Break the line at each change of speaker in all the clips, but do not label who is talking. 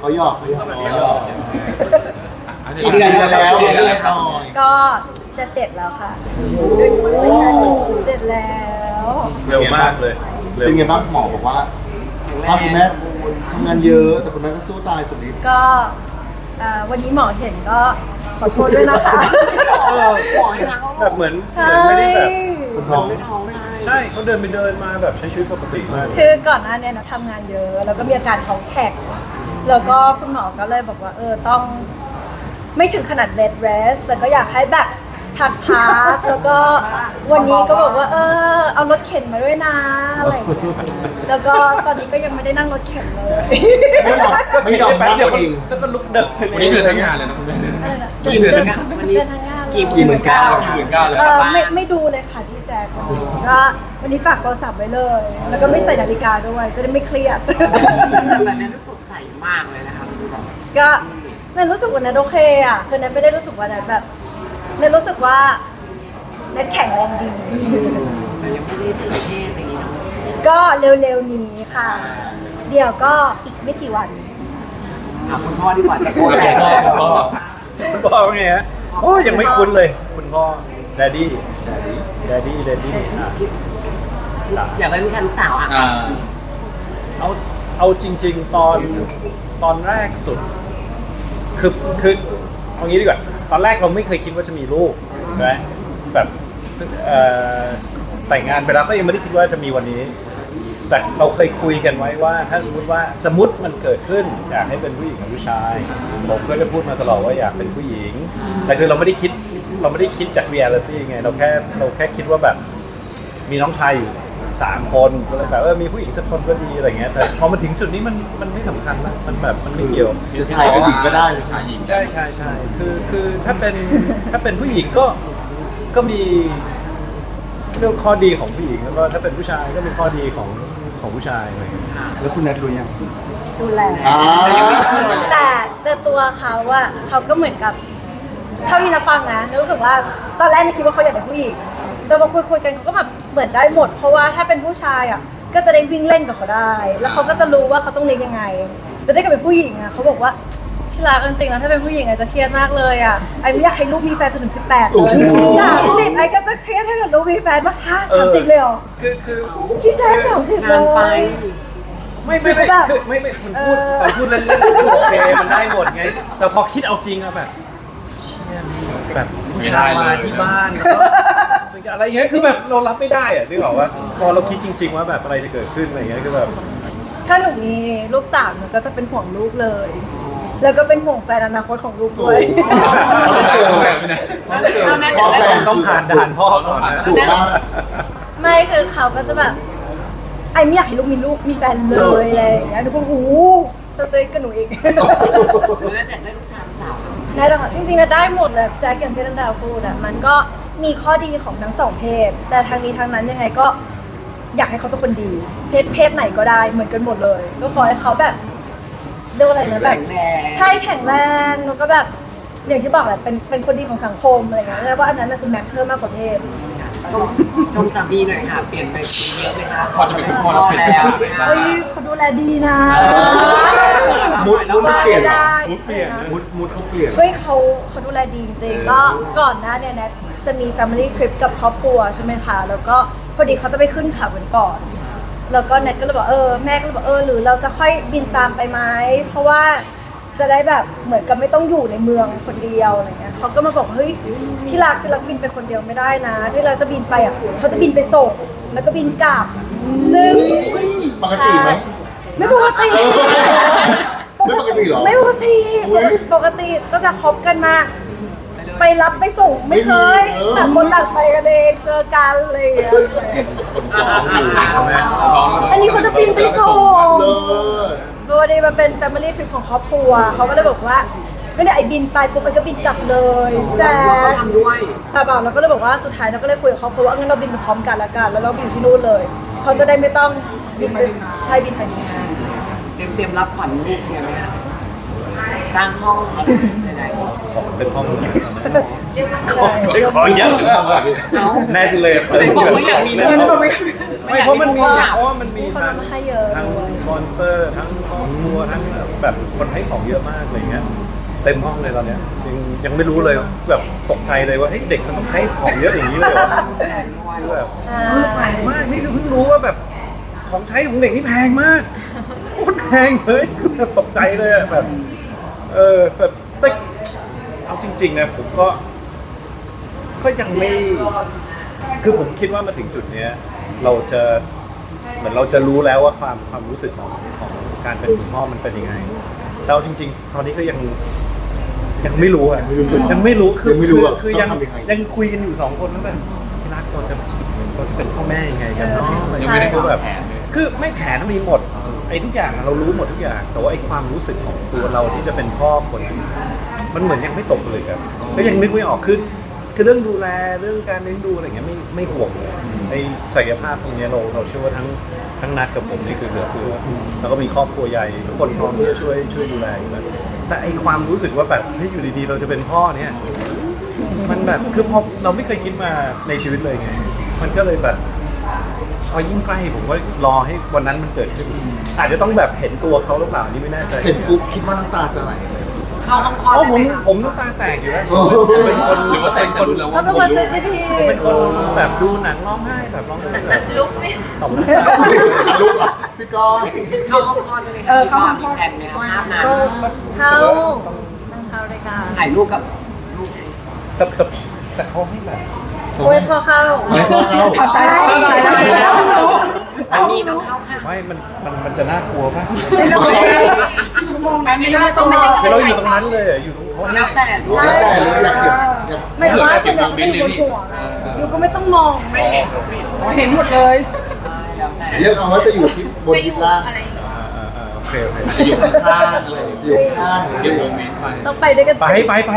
เขาหยอก
อันนี้
อีกเดือนแล้วเดือนหน่อย
ก็จะเจ็ดแล้วค่ะเจ็ดแล้ว
เร็วมากเลยเร็ว
เป็นไงบ้างหมอบอกว่าถ้าคุณแม่ทำงานเยอะแต่คุณแม่ก็สู้ตายสุดฤทธิ์
ก็วันนี้หมอเห็นก็ขอโทษด้วยนะคะ
แบบเหมือนไม่ได้แบบ
คนท้อง
ใช่เขาเดินไปเดินมาแบบใช้ชีวิตปกติมาก
คือก่อนหน้านี้นะทำงานเยอะ แล้วก็มีอาการท้องแข็งแล้วก็คุณหมอก็เลยบอกว่าต้องไม่ถึงขนาด bed rest แต่ก็อยากให้แบบพักแล้วก็วันนี้ก็บอกว่าเอารถเข็นมาด้วยนะอะไรอย่างเงี้ยแล้วก็ตอนนี้ก็ยังไม่ได้นั่งรถเข็นเลย
ไม่ยอมนั่ง
เดี๋ยว
เอง
แล้วก็ลุกเดิน
วันนี้เดินทั้งงานเลยนะคุณแม่
กี่เดือนวันนี้เดือนทั้งงานเลย
กี่หมื่นเก้า
เลย
ไม่ดูเลยค่ะพี่แจ๊คก็วันนี้ฝากโทรศัพท์ไว้เลย แล้วก็ไม่ใส่นาฬิกาด้วยจะได้ไม่เครียด
แต่แบบนั้นสดใสมากเลยนะคะ
ก็นั่นรู้สึกว่านัทโอเคอ่ะคือนัทไม่ได้รู้สึกว่านัทแบบนัทรู้สึกว่านัทแข็งแรงดี
แต่ยังไม่ได้ใช้เพศอย่างนี้เนาะ
ก็เร็วๆนี้ค่ะ เดี๋ยวก็อีกไม่กี่วัน
ถามคุณพ่อดีกว่าจะโกรธแรง
คุณพ่อว่าไงฮะโอ้ยังไม่คุ้นเลย คุณพ่อแดดดี้
อยากได้ลูกชายลูกสาวอ่ะ
เอาจริง ๆ ตอนแรกสุด คือเอางี้ดีกว่าตอนแรกเราไม่เคยคิดว่าจะมีลูกนะแบบแต่งงานไปแล้วก็ยังไม่ได้คิดว่าจะมีวันนี้ แต่เราเคยคุยกันไว้ว่าถ้าสมมติมันเกิดขึ้นอยากให้เป็นผู้หญิงกับผู้ชายผมก็จะพูดมาตลอดว่าอยากเป็นผู้หญิงแต่คือเราไม่ได้คิดจากเรียลิตี้ไงเราแค่คิดว่าแบบมีน้องชายอยู่3 คนก็เลยแบบมีผู้หญิงสักคนก็ดีอะไรเงี้ยแต่พอมาถึงจุดนี้มันไม่สำคัญนะมันแบบมันไม่เกี่ยว
จะชายกับหญิงก็ได้
ชายหญิง
ใช่คือถ้าเป็นผู้หญิงก็มีเรื่องข้อดีของผู้หญิงแล้วก็ถ้าเป็นผู้ชายก็มีข้อดีของผู้ชายอะไรอย่างเงี้ย
แล้วคุณแนทรู้ยัง
ดูแล
อ่า
แต่ตัวเขาอะเขาก็เหมือนกับเท่าที่นับฟังนะรู้สึกว่าตอนแรกนี่คิดว่าเขาอยากเป็นผู้หญิงแต่พอคุยกันเขาก็แบบเหมือนได้หมด เพราะว่าถ้าเป็นผู้ชายอะก็จะได้วิ่งเล่นกับเขาได้ แล้วเขาก็จะรู้ว่าเขาต้องเลี้ยงยังไงแต่ถ้าเกิดเป็นผู้หญิงอะเขาบอกว่าที่รักจริงๆแล้วถ้าเป็นผู้หญิงอาจจะเครียดมากเลยอะไอ้ไม่อยากให้ลูกมีแฟนจนถึง18เลย30ไอ้ก็จะเครียดถ้าเกิดลูกมีแฟนว่า30เลยเหรอ
คือ
คิดแค่30เล
งานไป
ย
ไม่คุณพูดเล่นๆโอเคมันได้หมดไงแต่พอคิดเอาจริงอะแบบเชี่ยนี่แบบผู้ชายมาที่บ้านแล้วก็อะไรเงี้ยคือแบบเรารับไม่ได้อะนึกออกว่าพอเราคิดจริง ๆ ว่าแบบอะไรจะเกิดขึ้นอะไรเงี้ยคือแบบ
ถ้าหนูมีลูกสาวหนูก็จะเป็นห่วงลูกเลย แล้วก็เป็นห่วงแฟนอนาคตของลูกด้วย
ต้องเจอพ่อแฟน
ต้องผ่านด่านพ่อก่อนนะ
ดุมาก
ไม่คือเขาก็จะแบบไอ้ไม่อยากให้ลูกมีแฟนเลยอะไรอย่างเงี้ยหนูก็หูสเตย์กับหนูเอง
แล้วอยากได้ลูกชายลูกสาว
ได้แล้วค่ะจริงๆนะได้หมดเลยแจ็คอย่างที่นันดาวพูดอ่ะมันก็มีข้อดีของทั้งสองเพศ แต่ทางนี้ทางนั้นยังไงก็อยากให้เขาเป็นคนดีเพศไหนก็ได้เหมือนกันหมดเลย ก็ขอให้เขาแบบเรียกว่าอะไรนะแบบ
แข็งแรง
ใช่แข็งแรงแล้วก็แบบอย่างที่บอกแหละเป็นคนดีของสังคมอะไรเงี้ยแล้วว่าอันนั้นน่ะคือแมทเทอร์มากกว่าเพศ
ชมสามีหน่อยค่ะ เปลี่ยนไปเยอะไหมคะ
พอจะเป็นคุณพ่อแล้วเปลี่ยน
แล้ว
เฮ้ยเขาดูแลดีนะ
มุดมันเปลี่ยนเหรอ
มุดเปลี่ยนนะ
มุดเขาเปลี่ยน
เฮ้ยเขาดูแลดีจริงๆก็ก่อนหน้าเนี่ยแนทจะมี Family Trip กับครอบครัวใช่ไหมคะแล้วก็พอดีเขาจะไปขึ้นเขากันก่อน แล้วก็แนทก็เลยบอกแม่ก็เลยบอกหรือเราจะค่อยบินตามไปไหมเพราะว่าจะได้แบบเหมือนกับไม่ต้องอยู่ในเมืองคนเดียวอะไรเงี้ยเขาก็มาบอกเฮ้ยที่รักบินไปคนเดียวไม่ได้นะ ที่เราจะบินไปอ่ะเขาจะบินไปส่งแล้วก็บินกลับซึ่ง
ปกติไหม
ไม่ปกติ
ไม่ปกติเหรอ
ไม่ปกติปกติตั้งแต่คบกันมา ไปรับไปส่งไม่เคยแต่คนต่างไปกันเองเจอกันอะไรอย่างเงี้ยอันนี้เขาจะบินไปส่ง
เลิศ
ตัวนี้มันเป็น family trip ของครอบครัวเขาก็เลยบอกว่าไม่ได้ไอ้บินไปปุ๊บไอ้ก็บินกลับเลยแต่
เขาทำด้วย
แต่บอกเราก็เลยบอกว่าสุดท้ายเราก็เลยคุยกับครอบครัวว่างั้นเราบินไปพร้อมกันละกันแล้วเราบินที่นู่นเลยเขาจะได้ไม่ต้องบินไปใช่บินไปที่นั่น
เตรียมรับขวัญลูกเนี่ยไหมคะสร้างห้องไหน
ขอเป็นห้อง
ใช่
ขอเยอะแน่เลย
ๆบอกว่าอยากมี
ไม่เพราะมันมีทาง
คนมาให้เยอะ
ทางสปอนเซอร์ทั้งครอบครัวทั้งแบบคนให้ของเยอะมากอะไรเงี้ยเต็มห้องเลยตอนเนี้ยยังไม่รู้เลยแบบตกใจเลยว่าเฮ้ยเด็กมันต้องให้ของเยอะอย่างนี้เลยเหรอคือแบบแพงมากนี่คือเพิ่งรู้ว่าแบบของใช้ของเด็กนี่แพงมากโคตรแพงเลยคือแบบตกใจเลยอะแบบแบบแต่เอาจริงๆนะผมก็ยังไม่คือผมคิดว่ามาถึงจุดเนี้ยเราจะเหมือนเราจะรู้แล้วว่าความรู้สึกของการเป็นคุณพ่อมันเป็นยังไงแต่เอาจริงๆตอนนี้ก็ยังไม่รู้อ่ะยังไม่รู้คือคือยังคุยกันอยู่2 คนนั่นแหละที่รักเราจะเป็นพ่อแม่ยังไงกันเนาะ
ยังไม่ได้
คือแบบ
แผนเลย
คือไม่แผนมีหมดไอ้ทุกอย่างเรารู้หมดทุกอย่างแต่ว่าไอ้ความรู้สึกของตัวเราที่จะเป็นพ่อคนมันเหมือนยังไม่ตกเลยครับก็ยังนึกไม่ออกคือเรื่องดูแลเรื่องการเลี้ยงดูอะไรอย่างเงี้ยไม่ห่วงเลยไอ้ศักยภาพตรงเนี้ยเราเชื่อว่าทั้งนัดกับผมนี่คือเหลือเฟือแล้วก็มีครอบครัวใหญ่ทุกคนพร้อมที่จะช่วยดูแลอยู่แล้วแต่ไอ้ความรู้สึกว่าแบบที่อยู่ดีๆเราจะเป็นพ่อเนี่ยมันแบบคือพอเราไม่เคยคิดมาในชีวิตเลยไงมันก็เลยแบบพอยิ่งใกล้ผมก็รอให้วันนั้นมันเกิดขึ้นอาจจะต้องแบบเห็นตัวเขาหรือเปล่านี่ไม่แน่ใจ
เห็นปุ๊บคิดว่าน้ำตาจะไหล
เข้าห้องคลอด
อ๋อ
ได้ไหมคะ
ผมน้ำตาแตกอยู่แล้ว
โอ้โห
เป็นคน
หรือว่าแต่งกันรู้แล้ว
เขา
ว่า
เป็นคนเซนซิทีฟ
เป็นคนแบบดูหนังร้องไห้แบบร้องไห้แบบ
ลุกไม่
ตบนะ
ลูกอ่ะพี่ก้อย
เข้าห้องคลอดได้ไหมคะเข้าห้องคลอดมีแผนไหมคะภาพนั้น
ก็
เข้าเข้ารายการ
ถ่ายรูปกับลูก
แต่เขาให้แบบ
โอ้ยพอเข้า
ไม่พอเข้า
เข้าใจแล้ว
สามีต้องเข้าค่ะ
ไม่มันจะน่ากลัวป่ะ
ชั่วโมงนั้นไม่ได้ต้องรอ
คือเราอยู่ตรงนั้นเลยอะอยู่ตรงเขา
แล้วแต่ลูก
แล้วแต่เลยอยากเห็นอยาก
ไม่ว่าจะแบบไม่อยู่บนหัวอยู่ก็ไม่ต้องมอง
ไม่เห็น
เห็นหมดเลย
แล้วแต่
เลือกเอาว่าจะอยู่ที่บนที่ล่าง
โอเค
อยู่ข้างๆเลย
อยู่ข้าง
เก็บโมเมนต์ไป
ต้องไปด้วยกัน
ไป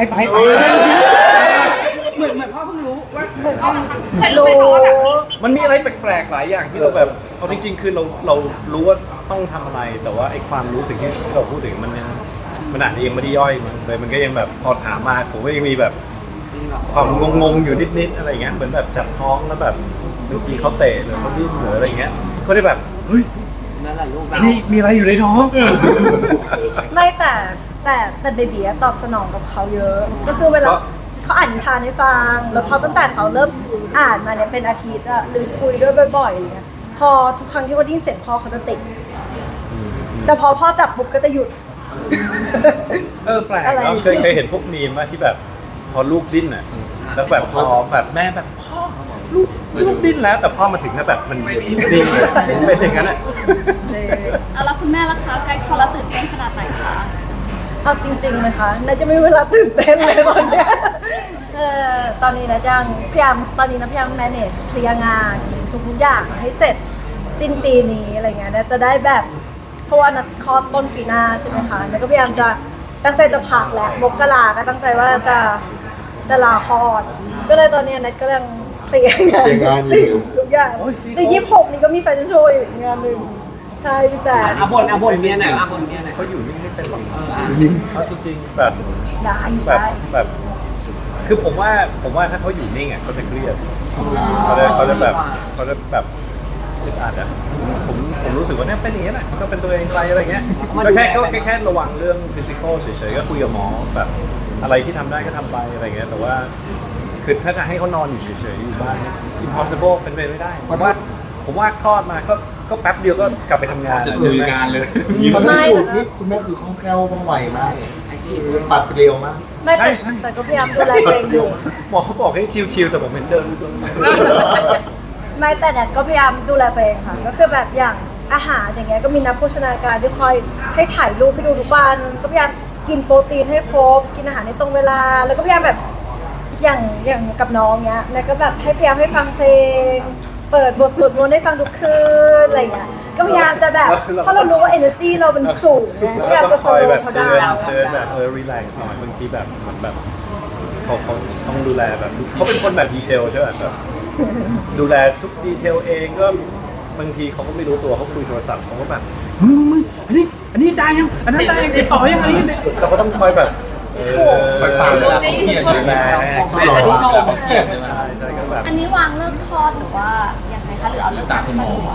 เหมือนพ่อเพิ่งรู้ว่าพ่อมัน
รู้
มันมีอะไรแปลกๆหลายอย่างที่เราแบบเอาจริงๆคือเรารู้ว่าต้องทำอะไร แต่ว่าไอ้ความรู้สึกที่เราพูดถึงมันอาจจะยังไม่ได้ย่อยมันเลยมันก็ยังแบบพอถามมาผมก็ยังมีแบบ
จริงเหรอ
ความงงๆอยู่นิดๆอะไรเงี้ยเหมือนแบบจับท้องแล้วแบบบางทีเขาเตะหรือเขาดิ้นหรืออะไรเงี้ยก็ได้แบบเฮ้ย
นั่นแหละลูกเรา
มีอะไรอยู่ในท้อง
ไม่แต่เบบีตอบสนองกับเขาเยอะ ก็คือเวลาเขาอ่านนิทานให้ฟังแล้วพอตั้งแต่เขาเริ่มอ่านมาเนี่ยเป็นอาทิตย์อะหรือคุยด้วยบ่อยๆอะไรเงี้ยพอทุกครั้งที่ว่าดิ้นเสียงพ่อเขาจะติดแต่พอพ่อจับปุ๊บก็จะหยุด
แปลก
อะไร
เนาะเคยเห็นพวกมีมว่าที่แบบพอลูกดิ้นอ่ะแล้วแบบพอแบบแม่แบบพ่อลูกดิ้นแล้วแต่พ่อมาถึงแล้วแบบมันดิ้นเลยเป็นอย่างนั้นอ่ะ
แล้วคุณแม่ล่ะคะใกล้คลอดแล้วตื่นเต้นขนาดไหนคะ
เอาจริงๆไหมคะน่าจะไม่มีเวลาตื่นเต้นเลยตอนเนี้ยตอนนี้นะยังพยายาม manage เคลียร์งานทุกๆอย่างให้เสร็จสิ้นปีนี้อะไรเงี้ยนะจะได้แบบเพราะว่านัดคลอดต้นปีหน้าใช่ไหมคะแล้วก็พยายามจะตั้งใจจะพักแหละมกราก็ตั้งใจว่าจะลาคลอดก็เลยตอนนี้นัดก็ยังเคลียร์งานทุกอย่างใน26นี้ก็มีแฟชั่นโชว์อีกงานหนึ่งใช่พี่แจ๊ค
อาบ่นเมียหน่อยอาบ่นเมียหน่อย
เขาอยู่นิ่งไม่เป็นหรอก
นิ่ง
เขาจริงๆแบบ
ได้
แบบ
ใช่
แบบคือผมว่าถ้าเขาอยู่นิ่งอ่ะเขาจะเครียดเขาจะแบบอึดอัดอ่ะผมรู้สึกว่าเนี่ยเป็นอย่างนี้แหละมันก็เป็นตัวเองไปอะไรเงี้ยก็แค่ระวังเรื่องฟิสิกอลเฉยๆก็คุยกับหมอแบบอะไรที่ทำได้ก็ทำไปอะไรเงี้ยแต่ว่าคือถ้าจะให้เขานอนอยู่เฉยๆอยู่บ้าน impossible เป็นไปไม่ได้ผมว่าคลอดมาก็แป๊บเดียวก็กลับไปทำงาน
จะลุยงานเลย
มันไม่ถูกนี่คุณแม่คือคล่องแคล่วว่องไวมากปัดไปเร็วมาก
ไม่แต่ก็พยายามดูแลตัวเองอยู่
หมอเขาบอกให้ชิลๆแต่ผมเห็นเดิน
ไม่แต่แนทก็พยายามดูแลตัวเองค่ะ ก็คือแบบอย่างอาหารอย่างเงี้ยก็มีนักโภชนาการที่คอยให้ถ่ายรูปให้ดูทุกวันก็พยายามกินโปรตีนให้ครบกินอาหารในตรงเวลา แล้วก็พยายามแบบอย่างกับน้องเงี้ยแนทก็แบบให้พยายามให้ฟังเพลง เปิดบทสวดมนต์ให้ฟังทุกคืนอะไรเงี้ยก็พยายามจะแบบเพราะเรารู้ว่า energy เราเป็นสูงไงพยายามจะส
คอย
โล
แบบ
ว์เขา
เตื
ได้
อนแบบรีแลกซ์หน่อยบางทีแบบเหมือนแบบเขาต้องดูแลแบบเขาเป็นคนแบบดีเทลใช่ไหมแบบดูแลทุกดีเทลเองก็บางทีเขาก็ไม่รู้ตัวเขาคุยโทรศัพท์เขาก็แบบมึงอันนี้ได้ยังอันนั้นได้ยังติดต่อยังอะไรยังเราก็ต้องคอยแบบ
ไปฟังเวลาเขาเครียดอยู่
แล
อันนี้ชม
ใช่ก็แบบ
อันนี้วางเลิกคลอดหรือว่ายังไงคะหรือเอาเลิก
ตามคุณหมอ
ก็จ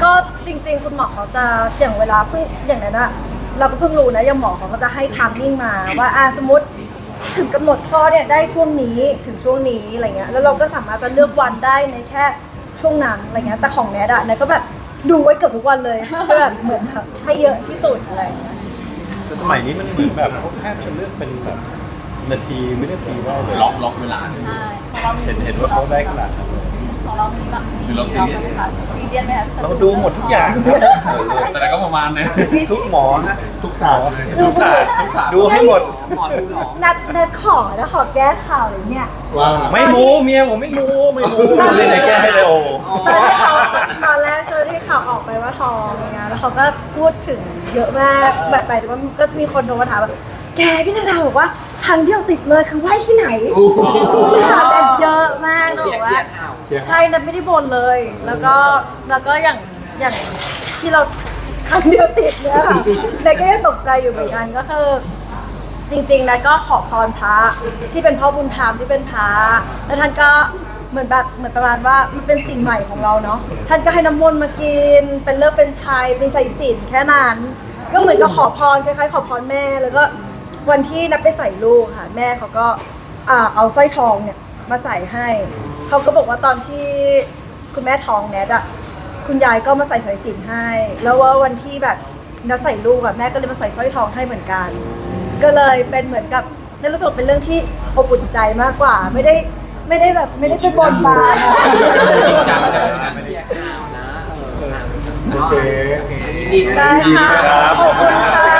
จริงๆคุณหมอเขาจะอย่างเวลาเพิ่งอย่างนั้นอะเราก็เพิ่งรู้นะอย่างหมอเขาก็จะให้ไทม์มิ่งมาว่าสมมติถึงกำหนดคลอดเนี่ยได้ช่วงนี้ถึงช่วงนี้อะไรเงี้ยแล้วเราก็สามารถจะเลือกวันได้ในแค่ช่วงนั้นอะไรเงี้ยแต่ของแนทอะแนทก็แบบดูไว้เกือบทุกวันเลยเพื่อแบบเหมือนแบบให้เยอะที่สุดอะไรเงี้ย
แต่สมัยนี้มันเหมือนแบบเขาแทบจะเลือกเป็นแบบนาทีวินาทีได้เลย
ล็อกเวลาเลย
ใช่ของเรามี
เห็นว่าเขาได้ขนาดนั้นเลย
ของเรามีแบบมี
คือเราซีเรียส
ไหมคะซีเรียสไหมคะ
เราดูหมดทุกอย่างครับ
แต่ก็ประมาณนึง
ทุกหมอฮะ
ทุกศาสตร์เลย
ทุกศาสตร์ดูให้หมด
หมอดูหรอ
นัดขอแล้วขอแก้ข่าวเลยเนี่ย
ว่า
ไม่มูเมียผมไม่มูเลยไหนแก้ให้เลยโอ้
ตอนแรกช่วงที่ข่าวออกไปว่าท้องอะไรเงี้ยแล้วเขาก็พูดถึงเยอะมากแบบไปว่าก็จะมีคนโทรมาถามว่าแกพี่นาดาบอกว่าครั้งเดียวติดเลยคือไหว้ที่ไหน
โอ้โห
ถามกันเยอะมาก
เคลี
บ
ย
อ
ร์
ก
เคลี
ว่าย
ร์ข่าว
ใช่นัทไม่ได้บ่นเลย แล้วก็อย่างที่เราครั้งเดียวติดเนี่ยค่ะแต่ก็ยังตกใจอยู่เหมือนกันก็คือ จริงๆนะก็ขอพรพระที่เป็นพ่อบุญธรรมที่เป็นพระแล้วท่านก็เหมือนประมาณว่ามันเป็นสิ่งใหม่ของเราเนาะท่านก็ให้น้ำมนต์มากินเป็นเลิกเป็นชัยเป็นใส่ศีลแค่นั้นก็เหมือนกับขอพรคล้ายๆขอพรแม่แล้วก็วันที่นับไปใส่ลูกค่ะแม่เขาก็เอาสร้อยทองเนี่ยมาใส่ให้เขาก็บอกว่าตอนที่คุณแม่ท้องแนทอะคุณยายก็มาใส่สายสิญจน์ให้ แล้วว่าวันที่แบบนัดใส่ลูกอะแม่ก็เลยมาใส่สร้อยทองให้เหมือนกัน ก็เลยเป็นเหมือนกับในรู้สึกเป็นเรื่องที่อบอุ่นใจมากกว่า ไม่ได้แบบไม่ได้ไปบนบานอะ
จริงจังเลย
เคลียร์ข่าวนะ
โอเค
ดีด้วย
ได้ค่ะ
ครับ
ขอบคุณค่ะ